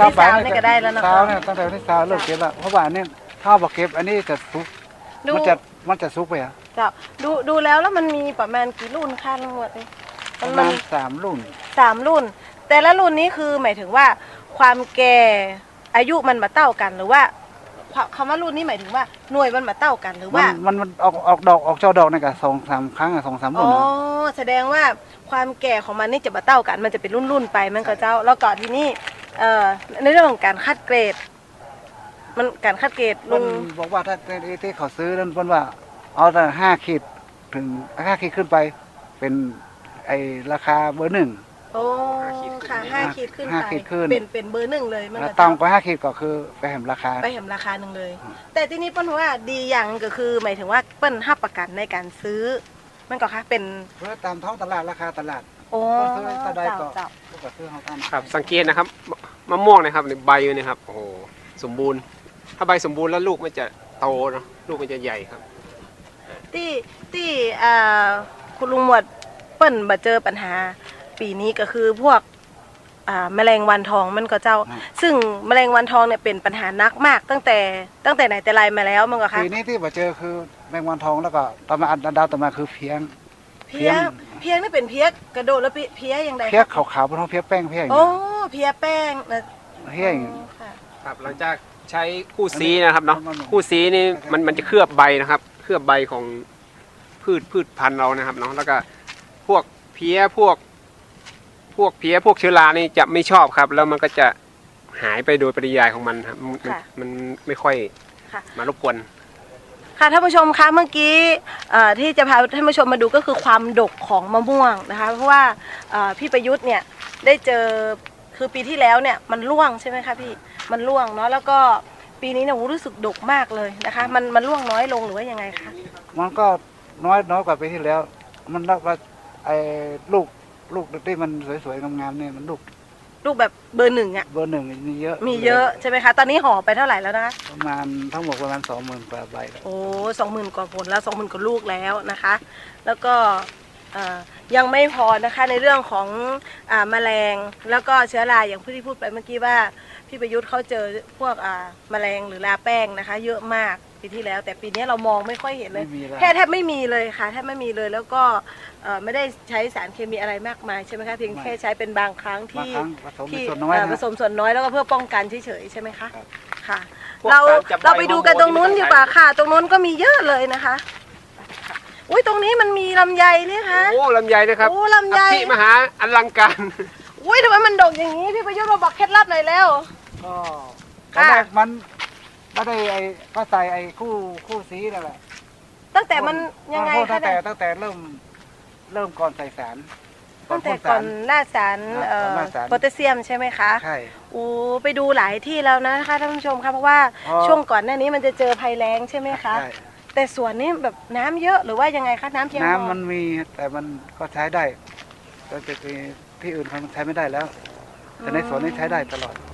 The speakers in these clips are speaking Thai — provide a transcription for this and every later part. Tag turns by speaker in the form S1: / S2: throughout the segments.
S1: ที่สาวนี่ก็ได้แล้วนะคะ
S2: สาวเนี่ยตั้งแต่วันที่สาวเลิกเก็บแล้วเพราะว่าเนี่ยถ้าบอกเก็บอันนี้จะซุกมันจะซุกไปอ่ะ
S1: เจ้าดูแล้วมันมีประมาณกี่รุ่นคะทั้งหมดนี่
S2: ประมาณ3 รุ่น
S1: 3 รุ่น แต่ละรุ่นนี้คือหมายถึงว่าความแก่อายุมันมาเท่ากันหรือว่าคำว่ารุ่นนี้หมายถึงว่าหน่วยมันมาเท่ากันหรือว่า
S2: มันออกดอกออกช่อดอกนี่ก็2-3 ครั้งอะ2-3 รุ่น
S1: แสดงว่าความแก่ของมันนี่จะมาเท่ากันมันจะเป็นรุ่นไปมันก็เจ้าแล้วก็ที่นี่ในเรื่องของการคัดเกรดมันการคัดเกรดลุง
S2: บอกว่าถ้าที่เขาซื้อนั่นเพิ่นว่าเอาแต่5 ขีดถึง5 ขีดขึ้นไปเป็นไอราคาเบอร์ 1
S1: โอ้ค่ะ5 ขีดขึ้น
S2: ห้า
S1: ไป
S2: ขีดขึ้น
S1: เป็นเบอร์ 1เลยมัน
S2: แล้ว
S1: ก็
S2: ต้อ
S1: เจ้า
S2: งไป5 ขีดก็คือไปแหมราคา
S1: ไปเห็นราคาหนึ่งเลย แต่ที่นี่เปิ้ลว่าดีอย่างก็คือหมายถึงว่าเปิ้ลให้ประกันในการซื้อมันก็ค่ะเป็น
S2: เพื่อตามท้องตลาดราคาตลาด
S1: โอ้
S2: ซื้อตะไดก็
S1: เจ้า
S2: ก็ซื้อเฮาตาม
S3: ครับสังเกตนะครับมะม่วงนะครับในใบเนี่ยครับโอ้โหสมบูรณ์ถ้าใบสมบูรณ์แล้วลูกมันจะโตเนาะลูกมันจะใหญ่ครับ
S1: ที่คุณลุงหมวดเปิ้ลมาเจอปัญหาปีนี้ก็คือพวกแมลงวันทองมันก็เจ้า ซึ่งแมลงวันทองเนี่ยเป็นปัญหานักมากตั้งแต่ไหนแต่ไรมาแล้วมันก็ค่ะ
S2: ปีนี้ที่มาเจอคือแมงวันทองแล้วก็ต่อมาอันดาวต่อมาคือเพียง
S1: เพี้ยนี่เป็นเพี้ยกระโดดแล้วเพี้ยยังไง
S2: เพียขาวๆบนท้องเพียแป้งเพียอย่าง
S1: โอ้
S2: เงี้ย
S1: เพี้ยแป้งนะ
S2: เพียอย่างเงี้ย
S1: ค่ะ
S3: ครับหลังจากใช้คู่ซีนะครับเนาะ
S2: มัน
S3: คู่ซีนี่มันจะเคลือบใบนะครับ เคลือบใบของพืชพันธุ์เรานะครับเนาะแล้วก็พวกเพี้ยพวกเชื้อรานี่จะไม่ชอบครับ แล้วมันก็จะหายไปโดยปริยายของมันครับมันไม่ค่อย
S1: ค่ะ
S3: มารบกวน
S1: ค่ะท่านผู้ชมคะเมื่อกี้ที่จะพาท่านผู้ชมมาดูก็คือความดกของมะม่วงนะคะเพราะว่าพี่ประยุทธ์เนี่ยได้เจอคือปีที่แล้วเนี่ยมันร่วงใช่ไหมคะพี่มันร่วงเนาะแล้วก็ปีนี้เนี่ยรู้สึกดกมากเลยนะคะมันร่วงน้อยลงหรือว่ายังไงคะ
S2: มันก็น้อยกว่าปีที่แล้ว มันรักว่าไอ้ลูกที่มันสวยๆงามๆเนี่ยมันลูก
S1: แบบเบอร์ 1อ่ะ
S2: เบอร์ 1มีเยอะ
S1: มีเยอะใช่ไหมคะตอนนี้ห่อไปเท่าไหร่แล้วนะคะ
S2: ประมาณทั้งหมดประมาณ 20,000 กว่าใบแล้ว
S1: โอ้20,000 กว่าผลแล้ว20,000 กว่าลูกแล้วนะคะ แล้วก็ยังไม่พอนะคะในเรื่องของแมลงแล้วก็เชื้อราอย่างที่พูดไปเมื่อกี้ว่าพี่ประยุทธ์เขาเจอพวกแมลงหรือราแป้งนะคะ เยอะมากปีที่แล้ว แต่ปีนี้เรามองไม่ค่อยเห็นเลย
S2: ไม่มีแล้ว
S1: แทบไม่มีเลยค่ะแทบไม่มีเลยแล้วก็ไม่ได้ใช้สารเคมีอะไรมากมายใช่ไหมคะเพียงแค่ใช้เป็นบางครั้ง
S2: บาง
S1: ที่
S2: ครั้งผสม
S1: ที่
S2: ส่วนน้อยนะ
S1: ผสมส่วนน้อยแล้วก็เพื่อป้องกันเฉยๆใช่ไหมคะ
S2: ครับ
S1: ค่ะ
S3: พวก
S1: เรา
S3: การจับใบ
S1: เราไปดูกันตรงนู้น
S3: ฮอร์โมน
S1: ดีกว่าค่ะ ตรงนู้นก็มีเยอะเลยนะคะอุ้ยตรงนี้มันมีลำไยนี่คะ
S3: โอ้ลำไยนะครับ
S1: โอ้ลำไย
S3: อภิมหาอลังการ
S1: อุ้ยทำไมมันดกอย่างนี้พี่ประยุทธ์มาบอกเคล็ดลับหน่อยแล้ว
S2: ก็
S1: ค่ะ
S2: ตอนแรกมันไม่ได้ก็ใส่คู่สีนั่นแหละ
S1: ตั้งแต่มันยังไง
S2: ตั้
S1: คะ
S2: งแต่
S1: เนี่ย
S2: ตั้งแต่เริ่มก่อนใส่สาร
S1: ตั้งแต่
S2: พ่
S1: ก่อนล่าสาร
S2: ก่อนล่าสาร
S1: โพแทสเซียมใช่ไหมคะ
S2: ใช่
S1: โอ้ไปดูหลายที่แล้วนะคะท่านผู้ชมคะเพราะว่า
S2: อ๋อ
S1: ช่วงก่อนหน้านี้มันจะเจอภัยแล้งใช่ไหมคะ
S2: ใช่
S1: แต่สวนนี้แบบน้ำเยอะหรือว่ายังไงคะน้ำเพียงพอ
S2: น้ำมันมีแต่มันก็ใช้ได้แต่ที่อื่นเขาใช้ไม่ได้แล้ว แต่ในสวนนี้ใช้ได้ตลอด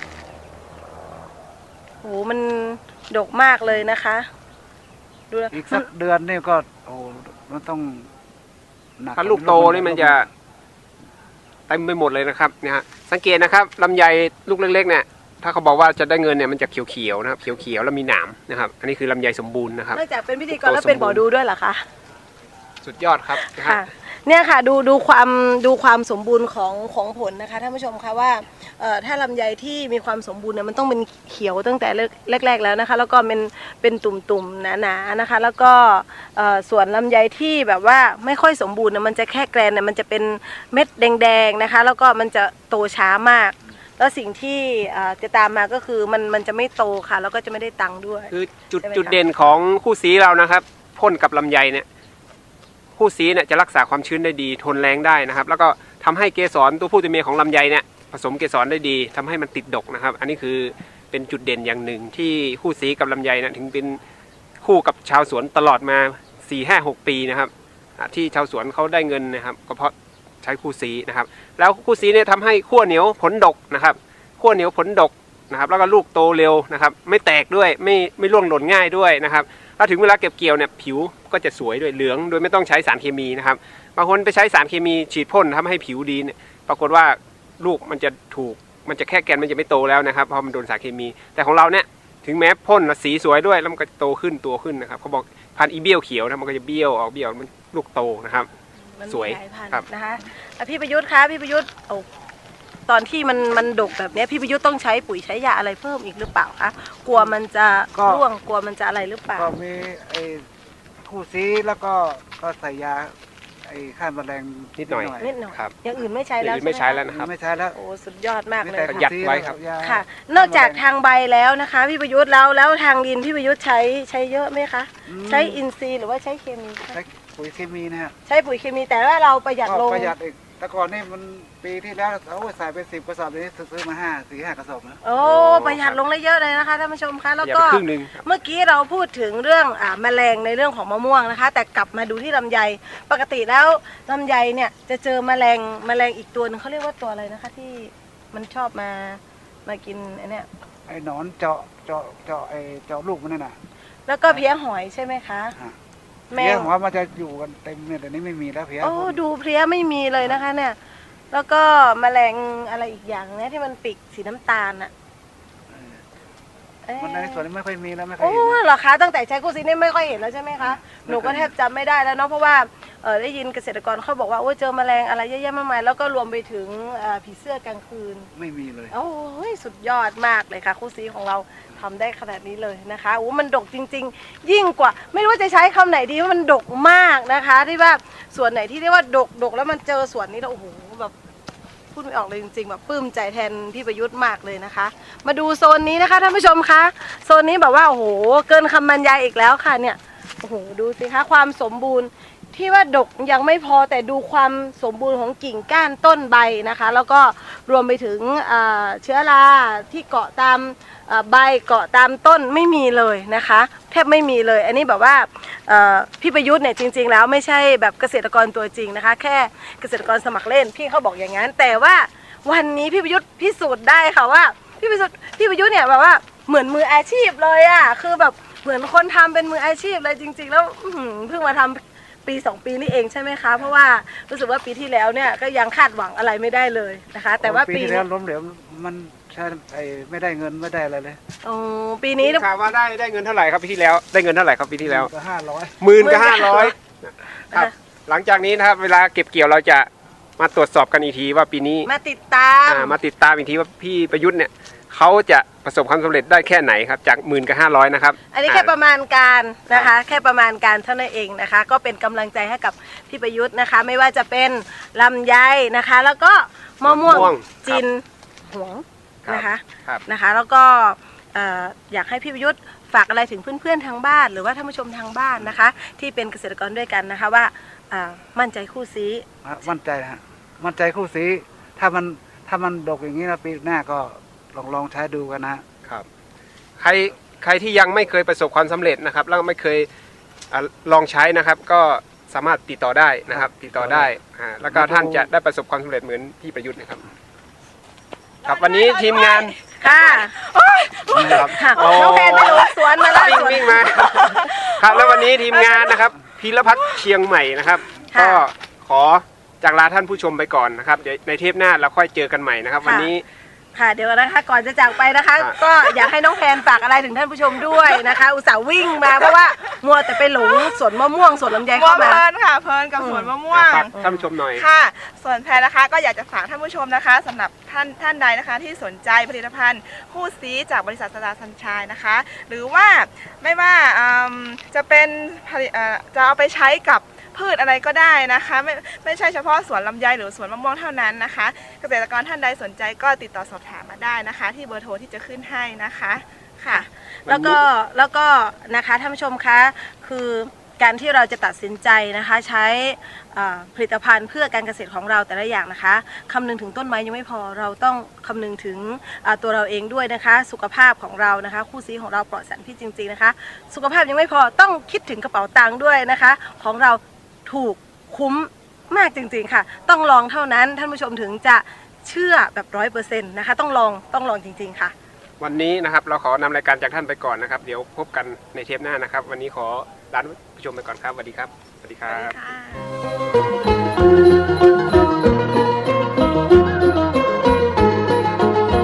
S1: โอ้มันดกมากเลยนะคะดูแล้ว
S2: อีกสักเดือนนี่ก็โอ้มันต้องหนัก
S3: ถ้าลูกโตนี่มันจะเต็มไปหมดเลยนะครับเนี่ยฮะสังเกตนะครับลำไยลูกเล็กๆเนี่ยถ้าเขาบอกว่าจะได้เงินเนี่ยมันจะเขียวๆนะครับเขียวๆแล้วมีหนามนะครับอันนี้คือลำไยสมบูรณ์นะครับ
S1: นอกจากเป็นพิธีกรแล้วเป็นหมอดูด้วยเหรอคะ
S3: สุดยอดครับนะฮะ
S1: ค่ะเนี่ยค่ะดูความสมบูรณ์ของผลนะคะท่านผู้ชมคะว่าถ้าลำไยที่มีความสมบูรณ์เนี่ยมันต้องเป็นเขียวตั้งแต่แรกๆแล้วนะคะแล้วก็เป็นตุ่มๆหนาๆนะคะแล้วก็ส่วนลำไยที่แบบว่าไม่ค่อยสมบูรณ์เนี่ยมันจะแค่แกรนเนี่ยมันจะเป็นเม็ดแดงๆนะคะแล้วก็มันจะโตช้ามาก แล้วสิ่งที่จะตามมาก็คือมันจะไม่โตค่ะแล้วก็จะไม่ได้ตังค์ด้วย
S3: คือจุด
S1: ใช่ไหมคะ
S3: จุดเด่นของคู่สีเรานะครับพ่นกับลำไยเนี่ยคู่สีเนี่ยจะรักษาความชื้นได้ดีทนแรงได้นะครับ แล้วก็ทำให้เกสรตัวผู้ตัวเมียของลำไยเนี่ยผสมเกสรได้ดีทำให้มันติดดกนะครับ อันนี้คือเป็นจุดเด่นอย่างหนึ่งที่คู่สีกับลำไยนะถึงเป็นคู่กับชาวสวนตลอดมา 4-5-6 ปีนะครับที่ชาวสวนเขาได้เงินนะครับก็เพราะใช้คู่สีนะครับแล้วคู่สีเนี่ยทำให้ขั้วเหนียวผลดกนะครับขั้วเหนียวผลดกนะครับแล้วก็ลูกโตเร็วนะครับไม่แตกด้วยไม่ร่วงหล่นง่ายด้วยนะครับถ้าถึงเวลาเก็บเกี่ยวเนี่ยผิวก็จะสวยด้วยเหลืองโดยไม่ต้องใช้สารเคมีนะครับบางคนไปใช้สารเคมีฉีดพ่นทำให้ผิวดีเนี่ยปรากฏว่าลูกมันจะถูกมันจะแค่แกนมันจะไม่โตแล้วนะครับเพราะมันโดนสารเคมีแต่ของเราเนี่ยถึงแม้พ่นสีสวยด้วยแล้วมันก็โตขึ้นตัวขึ้นนะครับเขาบอกพันธุ์อีเบี้ยวเขียวนะมันก็จะเบี้ยวออกเบี้ยวมันลูกโตนะครับ
S1: มัน
S3: สวย
S1: มีหลายพันธุ์
S3: ครับ
S1: นะคะพี่ประยุทธ์คะพี่ประยุทธ์ตอนที่มันดกแบบเนี้ยพี่ประยุทธ์ต้องใช้ปุ๋ยใช้ยาอะไรเพิ่มอีกหรือเปล่าคะกลัวมันจะร่วงกลัวมันจะอะไรหรือเปล่า
S2: ก็มีไอ้คู่ซีแล้วก็ใส่ยาไอ้ฆ่าแมลง
S3: นิดหน่อย
S1: นิดหน่อย
S3: ครับ
S1: อย่างอื่นไม่ใช้แล้ว
S3: ไม่ใช้แล้ว
S1: ห
S3: นะครับ
S2: ไม่ใช้แล้ว
S1: โอ้สุดยอดมาก
S2: มี
S1: เลย
S2: แต่
S3: ประ
S1: ค่ะ
S3: หยัด
S2: คู่ซี
S3: ไว้ครับ
S2: ยา
S1: ค่ะ นอกจากทางใบแล้วนะคะ พี่ประยุทธ์แล้วทางดินพี่ประยุทธ์ใช้เยอะไหมคะใช้อินทรีย์หรือว่าใช้เคมีคะ
S2: ใช้ปุ๋ยเคมีนะฮะ
S1: ใช้ปุ๋ยเคมีแต่ว่าเราประหยัด
S2: ก็
S1: ลง
S2: ประหยัดอีกแต่ก่อนนี่มันปีที่แล้วใส่ไป10 กระสอบนี้ซื้อมา4-5 กระสอบนะ
S1: โอ้ประหยัดลงได้เยอะเลยนะคะท่านผู้ชมคะแล้ว
S3: อย่า
S1: ก็
S3: ไปครึ่งหนึ่งครับ
S1: เมื่อกี้เราพูดถึงเรื่องแมลงในเรื่องของมะม่วงนะคะ แต่กลับมาดูที่ลำไยปกติแล้วลำไยเนี่ยจะเจอแมลงอีกตัวนึงเขาเรียกว่าตัวอะไรนะคะ ที่มันชอบมากินไอ้เนี่ย
S2: ไอ้หนอนเจาะไอ้เจาะลูกมันนั่นน่ะ
S1: แล้วก็เพี้ยหอยใช่ไหมคะ
S2: ฮะ
S1: แม
S2: เพี้ย
S1: ง
S2: หัวมันจะอยู่กันเต็มเนี่ยแต่นี้ไม่มีแล้วเพี้ย
S1: โอ้ดูเพลี้ยไม่มีเลยนะคะเนี่ยแล้วก็แมลงอะไรอีกอย่างเนี่ยที่มันปีกสีน้ำตาลอะเอ๊ะ
S2: มันในส่วนนี้ไม่ค่อยมีแล้วไม่ค่อย
S1: โอ้
S2: เห็นนะ
S1: เหรอคะตั้งแต่ใช้กู้ซีนี่ไม่ค่อยเห็นแล้วใช่ไหมคะหนูก็แทบจำไม่ได้แล้วเนาะเพราะว่าได้ยินเกษตรกรเขาบอกว่าโอ้เจอแมลงอะไรเยอะแยะมากมายแล้วก็รวมไปถึงผีเสื้อกลางคืน
S2: ไม่มีเลย
S1: โอ้ยสุดยอดมากเลยค่ะคู่ซีของเราทำได้ขนาดนี้เลยนะคะโอ้มันดกจริง ๆ ยิ่งกว่า ไม่รู้ว่าจะใช้คำไหนดีว่ามันดกมากนะคะ ที่ว่าส่วนไหนที่เรียกว่าดกแล้วมันเจอส่วนนี้แล้วโอ้โหแบบพูดไม่ออกเลยจริงๆแบบปลื้มใจแทนพี่ประยุทธ์มากเลยนะคะ มาดูโซนนี้นะคะท่านผู้ชมคะโซนนี้แบบว่าโอ้โหเกินคำบรรยายอีกแล้วค่ะเนี่ยโอ้โหดูสิคะความสมบูรณ์ที่ว่าดกยังไม่พอแต่ดูความสมบูรณ์ของกิ่งก้านต้นใบนะคะ แล้วก็รวมไปถึงเชื้อราที่เกาะตามใบเกาะตามต้นไม่มีเลยนะคะแทบไม่มีเลยอันนี้แบบว่าพี่ประยุทธ์เนี่ยจริงๆแล้วไม่ใช่แบบเกษตรกรตัวจริงนะคะแค่เกษตรกรสมัครเล่นพี่เขาบอกอย่างนั้นแต่ว่าวันนี้พี่ประยุทธ์พิสูจน์ได้ค่ะว่าพี่ประยุทธ์เนี่ยแบบว่าเหมือนมืออาชีพเลยอ่ะคือแบบเหมือนคนทำเป็นมืออาชีพเลยจริงๆแล้วเพิ่งมาทำปี2 ปีนี่เองใช่ไหมคะเพราะว่ารู้สึกว่าปีที่แล้วเนี่ยก็ยังคาดหวังอะไรไม่ได้เลยนะคะแต่ว่าปี
S2: ที่
S1: นี้
S2: แล้วล้มเหลวมันใช่ไม่ได้เงินไม่ได้อะไรเลย
S1: ปีนี้
S3: ข่าวว่าได้เงินเท่าไหร่ครับปีที่แล้วได้เงินเท่าไหร่ครับปีที่แล้ว
S2: ก็500
S3: 10,000 ครับหลังจากนี้นะครับเวลาเก็บเกี่ยวเราจะมาตรวจสอบกันอีกทีว่าปีนี้
S1: มาติดตาม
S3: มาติดตามอีกทีว่าพี่ประยุทธ์เนี่ยเขาจะประสบความสำเร็จได้แค่ไหนครับจาก10,000 นะครับ
S1: อันนี้แค่ประมาณการนะคะแค่ประมาณการเท่านั้นเองนะคะก็เป็นกำลังใจให้กับพี่ประยุทธ์นะคะไม่ว่าจะเป็นลำไยนะคะแล้วก็มะม่วงจินหวงนะคะ
S3: ครับ
S1: นะคะแล้วก็อยากให้พี่ประยุทธ์ฝากอะไรถึงเพื่อนๆทางบ้านหรือว่าท่านผู้ชมทางบ้านนะคะที่เป็นเกษตรกรด้วยกันนะคะว่ามั่นใจคู่ซี
S2: มั่นใจฮะมั่นใจคู่ซีถ้ามันดกอย่างนี้นะปีหน้าก็ลองใช้ดูกันนะครับ
S3: ใครที่ยังไม่เคยประสบความสำเร็จนะครับแล้วไม่เคยลองใช้นะครับ ก็สามารถติดต่อได้นะครับ ติดต่อได้แล้วก็ท่านจะได้ประสบความสำเร็จเหมือนพี่ประยุทธ์นะครับครับวันนี้ทีมงาน
S1: ค่ะ
S3: ครับ
S1: ค่ะน้องแพนไปดูสวนมาแล้วสวน
S3: วิ่งมาครับแล้ววันนี้ทีมงานนะครับพีรพัฒน์เชียงใหม่นะครับ
S1: ค่ะ
S3: ก็ขอจากลาท่านผู้ชมไปก่อนนะครับเดี๋ยวในเทปหน้าเราค่อยเจอกันใหม่นะครับ วันนี้
S1: ค่ะเดี๋ยวนะคะก่อนจะจากไปนะคะ
S3: ค่ะ
S1: ก็อยากให้น้องแพนฝากอะไรถึงท่านผู้ชมด้วยนะคะ อุตส่าห์วิ่งมาเพราะว่ามัวแต่ไปหลงสวนมะม่วงสวนลำไย
S4: มัว
S1: เข้า
S4: เพ
S1: มา
S4: ลินค่ะเพลินกับสวนมะม่วง
S3: ฝากท่านผู้ชมหน่อย
S4: ค่ะ ส่วนแพรนะคะก็อยากจะฝากท่านผู้ชมนะคะสำหรับท่านใดนะคะที่สนใจผลิตภัณฑ์คู่ซีจากบริษัทสตาร์สัญชัยนะคะ หรือว่าไม่ว่าจะเป็นจะเอาไปใช้กับพืชอะไรก็ได้นะคะไม่ใช่เฉพาะสวนลำไยหรือสวนมะม่วงเท่านั้นนะคะเกษตรกรท่านใดสนใจก็ติดต่อสอบถามมาได้นะคะ ที่เบอร์โทรที่จะขึ้นให้นะคะค่ะ
S1: แล้วก็นะคะท่านผู้ชมคะคือการที่เราจะตัดสินใจนะคะใช้ผลิตภัณฑ์เพื่อการเกษตรของเราแต่ละอย่างนะคะคำนึงถึงต้นไม้ยังไม่พอเราต้องคำนึงถึงตัวเราเองด้วยนะคะสุขภาพของเรานะคะคู่ซีของเราปลอดสารพิษจริงๆนะคะสุขภาพยังไม่พอต้องคิดถึงกระเป๋าตังค์ด้วยนะคะของเราถูกคุ้มมากจริงๆค่ะต้องลองเท่านั้นท่านผู้ชมถึงจะเชื่อแบบ100%นะคะต้องลองจริงๆค่ะ
S3: วันนี้นะครับเราขอนำรายการจากท่านไปก่อนนะครับ เดี๋ยวพบกันในเทปหน้านะครับ วันนี้ขอลาท่านผู้ชมไปก่อนครับสวัสดีครับสวัสดีครับ
S4: ค่ะ